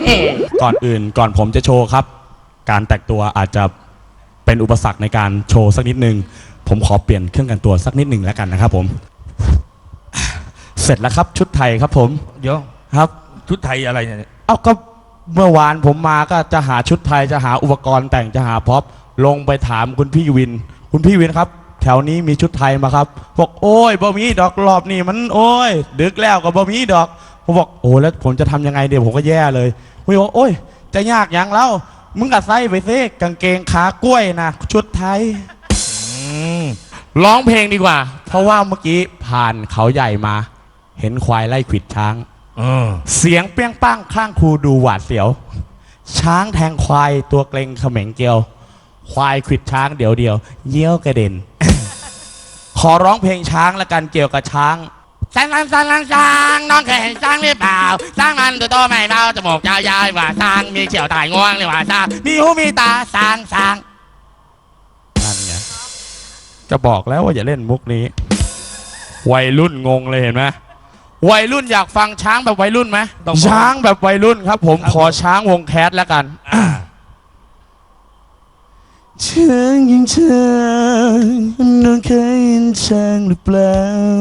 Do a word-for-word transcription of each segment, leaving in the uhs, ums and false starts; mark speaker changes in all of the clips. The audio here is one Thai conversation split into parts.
Speaker 1: ก่อนอื่นก่อนผมจะโชว์ครับ การแต่งตัวอาจจะเป็นอุปสรรคในการโชว์สักนิดนึงผมขอเปลี่ยนเครื่องแต่งตัวสักนิดหนึ่งแล้วกันนะครับผมเสร็จแล้วครับชุดไทยครับผม
Speaker 2: เดี๋ยว
Speaker 1: ครับ
Speaker 2: ชุดไทยอะไรเนี่ย
Speaker 1: เอ้าก็เมื่อวานผมมาก็จะหาชุดไทยจะหาอุปกรณ์แต่งจะหาพ็อปลงไปถามคุณพี่วินคุณพี่วินครับแถวนี้มีชุดไทยมาครับบอกโอ้ยบ่มีดอกรอบนี่มันโอ้ยดึกแล้วก็บ่มีดอกผมบอกโอ้แล้วผมจะทำยังไงเดี๋ยวผมก็แย่เลยผมบอกโอ้ยจะยากยังแล้วมึงก็ใส่ไปซิกางเกงขากล้วยนะชุดไทยร้องเพลงดีกว่าเพราะว่าเมื่อกี้ผ่านเขาใหญ่มาเห็นควายไล่ขวิดช้างเสียงเปี้ยงป้างข้างคูดูหวาดเสียวช้างแทงควายตัวเกรงเขม็งเกลียวควายขวิดช้างเดี๋ยวเดียวเยี่ยวกระเด็น ขอร้องเพลงช้างละกันเกี่ยวกับช้างช้างช้างช้างช้างน้องเคยเห็นช้างหรือเปล่าช้างมันตัวโตไม่เบาจมูกยาวยาวว่าช้างมีเขียวตายง่วงเลยว่าช้างมีหูมีตาช้างช้างนั่นไงจะบอกแล้วว่าอย่าเล่นมุกนี้วัยรุ่นงงเลยเห็นไหมวัยรุ่นอยากฟังช้างแบบวัยรุ่นไหมช้างแบบวัยรุ่นครับผมขอช้างวงแคสแล้วกันช้างยังช้างน้องเคยเห็นช้างหรือเปล่า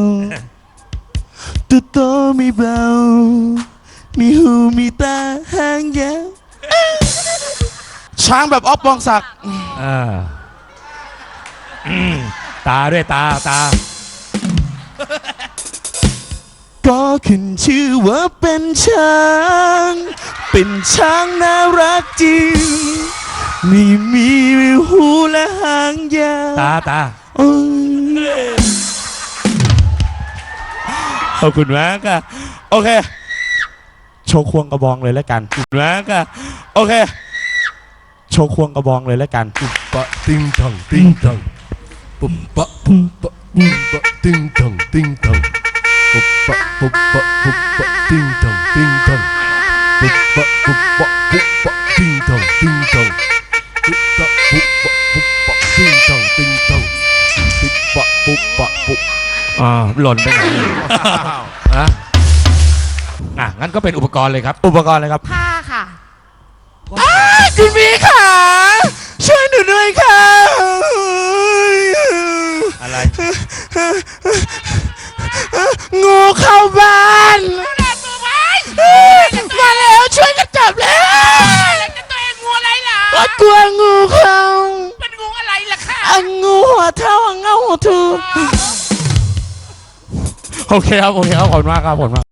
Speaker 1: ตัวโตไม่เบามีหูมีตาหางยาวช้างแบบอ๊อฟปองศักดิ์
Speaker 2: ตาด้วยตาตา
Speaker 1: ก็ขึ้นชื่อว่าเป็นช้างเป็นช้างน่ารักจริงนี่มีหูและหางยาว
Speaker 2: ตาตา
Speaker 1: ขอบคุณมากค่ะโอเคโชว์ควงกระบองเลยแล้วกันขอบคุณมากค่ะโอเคโชว์ควงกระบองเลยแล้วกัน
Speaker 3: ปุ๊บปะติ้งทังติ้งทังปุ๊บปะปุ๊บปะปุ๊บปะติ้งทังติ้งทังปุ๊บปะปุ๊บปะปุ๊บปะติ้งทังติ้งทังปุ๊บปะปุ๊บปะปุ๊บปะติ้งทังติ้งทังปุ๊บปะปุ๊บปะปุ๊บปะติ้งทังติ้งทังปุ๊บปะปุ๊บปะปุ๊บ
Speaker 2: อ่าหล่นไปไหนอ่ะอ่ะงั้นก็เป็นอุปกรณ์เลยครับ
Speaker 1: อุปกรณ์เลยครับ
Speaker 4: ผ้าค่ะ
Speaker 1: คุณพี่ค่ะช่วยหนูด้วยค่ะ
Speaker 2: อะไร
Speaker 1: งูเข้าบ้านมาแล้วช่วยกันจับแล้ว
Speaker 4: ตัวเองงูอะไรเหรอ
Speaker 1: กลัวงูเข้า
Speaker 4: เป็นงูอะไรล่ะค่ะ
Speaker 1: งูหัวเท่าเงาหัวทูโอเคครับโอเคครับขอบคุณมากครับขอบคุณมาก